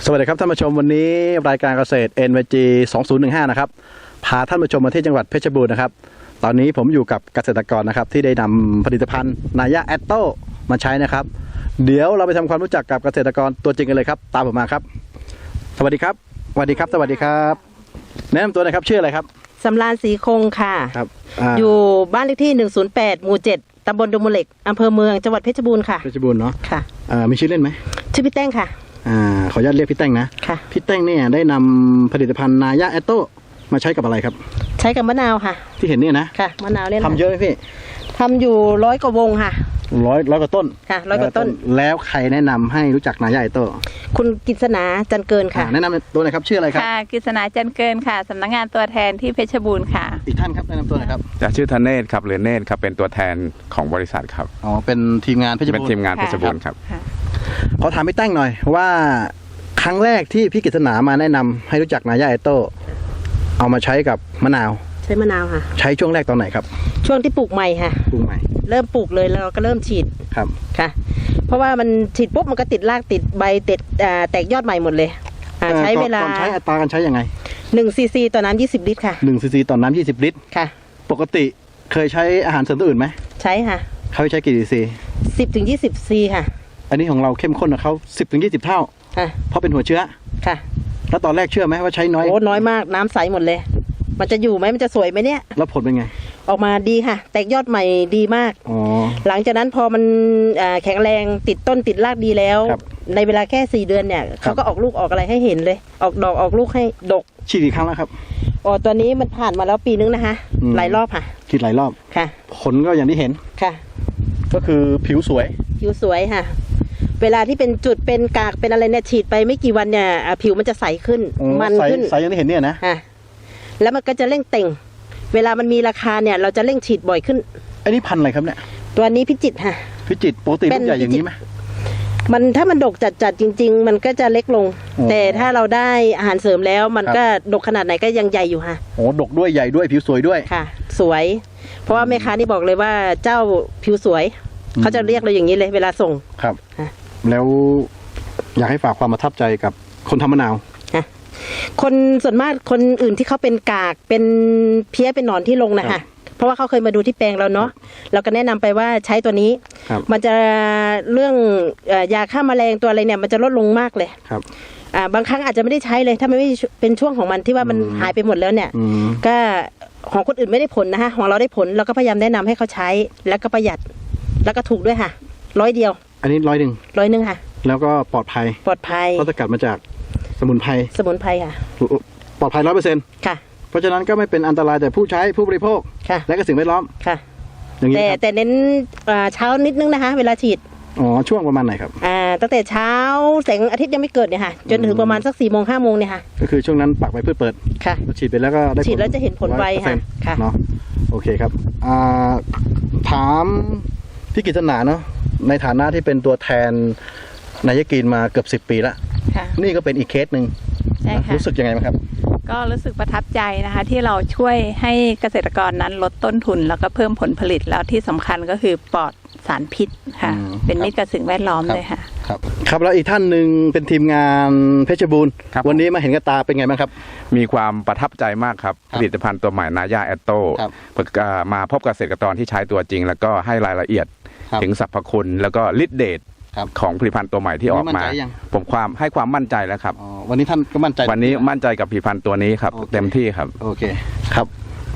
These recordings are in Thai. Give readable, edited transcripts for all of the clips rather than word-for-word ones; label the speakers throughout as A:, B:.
A: สวัสดีครับท่านผู้ชมวันนี้รายการเกษตร NYG 2015นะครับพาท่านผู้ชมมาที่จังหวัดเพชรบูรณ์นะครับตอนนี้ผมอยู่กับเกษตรกรนะครับที่ได้นำผลิตภัณฑ์นายะแอตโต้มาใช้นะครับเดี๋ยวเราไปทำความรู้จักกับเกษตรกรตัวจริงกันเลยครับตามผมมาครับสวัสดีครับสวัสดีครับสวัสดีครับแนะนำตัวหน่อยครับชื่ออะไรครับ
B: สำราญศรีคงค่ะ
A: ครับ
B: อยู่บ้านเลขที่108หมู่7ตำบลดงมูลเหล็กอำเภอเมืองจังหวัดเพชรบูรณ์ค่ะ
A: เพชรบูรณ์เนาะ
B: ค่ะ
A: มีชื่อเล่นไหม
B: ชื่อพี่แต้งค่ะ
A: ขออนุญาตเรียกพี่แต้งนะ
B: ค่ะ
A: พี่แต้งเนี่ยได้นำผลิตภัณฑ์นายะแอตโต้มาใช้กับอะไรครับ
B: ใช้กับมะนาวค่ะ
A: ที่เห็นเนี่ยนะ
B: ค่ะมะนาวเนี่ย
A: ทำเยอะไหมพี่
B: ทำอยู่100 กว่าวงค่ะ
A: ร้อยกว่าต้น
B: ค่ะ100 กว่าต้น
A: แล้วใครแนะนำให้รู้จักนายะแอตโต้
B: คุณกฤษณาจันเกินค่ะ
A: แนะนำตัวหน่อยครับชื่ออะไรครับ
C: ค่ะกฤษณาจันเกินค่ะสำนักงานตัวแทนที่เพชรบูรณ์ค่ะ
A: อีกท่านครับแนะนำตัวหน่อยครับ
D: จะชื่อธเนศครับหรือเนศครับเป็นตัวแทนของบริษัทครับ
A: เป็นทีมงานเพชรบูรณ์
D: เป็นทีมงานเพชรบูรณ์ครับ
A: ขอถามพี่แต้งหน่อยว่าครั้งแรกที่พี่กฤษณามาแนะนำให้รู้จักนายะแอตโต้เอามาใช้กับมะนาว
B: ใช้มะนาวค่ะ
A: ใช้ช่วงแรกตอนไหนครับ
B: ช่วงที่ปลูกใหม่ค่ะ
A: ปลูกใหม่
B: เริ่มปลูกเลยแล้วเราก็เริ่มฉีด
A: ครับ
B: ค่ะเพราะว่ามันฉีดปุ๊บมันก็ติดรากติดใบติดแตกยอดใหม่หมดเลยใช้เวลา
A: ก่อนใช้อัตราการใช้ยังไง
B: 1 cc ต่อน้ำ20 ลิตรค่ะ
A: 1 cc ต่อน้ำ20 ลิตร
B: ค่ะ
A: ปกติเคยใช้อาหารเสริมตัวอื่นไหม
B: ใช้ค่ะ
A: เขาใช้กี่ cc
B: 10 ถึง 20 c ค่ะ
A: อันนี้ของเราเข้มข้นกับเขา10 ถึง 20 เท่า
B: ค่ะ
A: เพราะเป็นหัวเชื้อ
B: ค่ะ
A: แล้วตอนแรกเชื่อไหมว่าใช้น้อย
B: โอ้น้อยมากน้ำใสหมดเลยมันจะอยู่ไหมมันจะสวยไหมเนี่ย
A: แล้วผลเป็นไง
B: ออกมาดีค่ะแตกยอดใหม่ดีมากหลังจากนั้นพอมันแข็งแรงติดต้นติดรากดีแล้วในเวลาแค่4 เดือนเนี่ยเขาก็ออกลูกออกอะไรให้เห็นเลยออกดอกออกลูกให้ดก
A: ฉีดกี่ครั้งแล้วครับ
B: ตัวนี้มันผ่านมาแล้วปีนึงนะคะหลายรอบค่ะ
A: ฉีดหลายรอบ
B: ค่ะ
A: ผลก็อย่างที่เห็น
B: ค่ะ
A: ก็คือผิวสวย
B: ค่ะเวลาที่เป็นจุดเป็นกากเป็นอะไรเนี่ยฉีดไปไม่กี่วันเนี่ยผิวมันจะใสขึ้นมันขึ้น
A: ใสอย่างที่เห็นเนี่ยนะ
B: แล้วมันก็จะเร่งเต่งเวลามันมีราคาเนี่ยเราจะเร่งฉีดบ่อยขึ้น
A: อันนี้พันธุ์อะไรครับเนี่ย
B: ตัวนี้พิจิตรค่ะ
A: พิจิตรปกติลูกใหญ่อย่างนี้ไหม
B: มันถ้ามันดกจัดจริงๆมันก็จะเล็กลงแต่ถ้าเราได้อาหารเสริมแล้วมันก็ดกขนาดไหนก็ยังใหญ่อยู่ค่ะ
A: โอ้ดกด้วยใหญ่ด้วยผิวสวยด้วย
B: ค่ะสวยเพราะว่าแม่ค้านี่บอกเลยว่าเจ้าผิวสวยเขาจะเรียกเราอย่างนี้เลยเวลาส่ง
A: ครับแล้วอยากให้ฝากความประทับใจกับคนทำมะนาว
B: คนส่วนมากคนอื่นที่เขาเป็นกากเป็นเพี้ยเป็นหนอนที่ลงนะคะเพราะว่าเขาเคยมาดูที่แปลงเราเนาะเราก็แนะนำไปว่าใช้ตัวนี้มันจะเรื่องยาฆ่าแมลงตัวอะไรเนี่ยมันจะลดลงมากเลย
A: ครับ
B: บางครั้งอาจจะไม่ได้ใช้เลยถ้ามันไม่เป็นช่วงของมันที่ว่ามันหายไปหมดแล้วเนี่ยก็ของคนอื่นไม่ได้ผลนะคะของเราได้ผลเราก็พยายามแนะนำให้เขาใช้แล้วก็ประหยัดแล้วก็ถูกด้วยค่ะ100 เดียว
A: อันนี้100ค่ะแล้วก็ปลอดภัยเพราะสกัดมาจากสมุนไพร
B: ค่ะ
A: ปลอดภัย100%
B: ค่ะ
A: เพราะฉะนั้นก็ไม่เป็นอันตรายแต่ผู้ใช้ผู้บริโภคและก็สิ่งแวดล้อม
B: ค่ะอย่างนี้แต่เน้นเช้านิดนึงนะคะเวลาฉีด
A: ช่วงประมาณไหนครับ
B: ตั้งแต่เช้าแสงอาทิตย์ยังไม่เกิดเนี่ยค่ะจนถึงประมาณสัก4 โมง 5 โมงเนี่ยค่ะ
A: ก็คือช่วงนั้นปักใบพืชเปิด
B: ค่ะ
A: ฉีดไปแล้วก็ได้
B: ฉีดแล้วจะเห็นผลไวค่ะ
A: เนาะโอเคครับถามพี่กฤษณาเนาะในฐานะที่เป็นตัวแทนนายกินมาเกือบ10 ปีแล้วนี่ก็เป็นอีกเคสหนึ่งรู้สึกยังไงบ้างครับ
C: ก็รู้สึกประทับใจนะคะที่เราช่วยให้เกษตรกรนั้นลดต้นทุนแล้วก็เพิ่มผลผลิตแล้วที่สำคัญก็คือปลอดสารพิษค่ะเป็นมิตรกับสิ่งแวดล้อมเลยค่ะ
A: ครับแล้วอีกท่านหนึ่งเป็นทีมงานเพชรบูรณ์วันนี้มาเห็นกับตาเป็นไงบ้างครับ
D: มีความประทับใจมากครับผลิตภัณฑ์ตัวใหม่นายะแอตโต้มาพบเกษตรกรที่ใช้ตัวจริงแล้วก็ให้รายละเอียดถึงสรรพคุณแล้วก็ฤทธิ์เดชของผลิตภัณฑ์ตัวใหม่ที่ออกมาผมให้ความมั่นใจแล้วครับ
A: วันนี้ท่านก็มั่นใจ
D: วันนี้มั่นใจกับผลิตภัณฑ์ตัวนี้ครับเต็มที่ครับ
A: โอเคครับ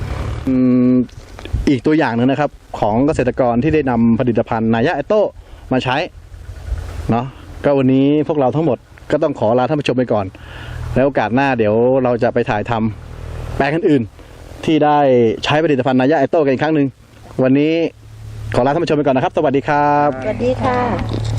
A: อีกตัวอย่างหนึ่งนะครับของเกษตรกรที่ได้นำผลิตภัณฑ์นายะแอตโต้มาใช้เนาะก็วันนี้พวกเราทั้งหมดก็ต้องขอลาท่านผู้ชมไปก่อนแล้วโอกาสหน้าเดี๋ยวเราจะไปถ่ายทำแปลงอื่นๆที่ได้ใช้ผลิตภัณฑ์นายะแอตโต้กันอีกครั้งหนึ่งวันนี้ขอลาท่านผู้ชมไปก่อนนะครับสวัสดีครับ
B: สวัสดีค่ะ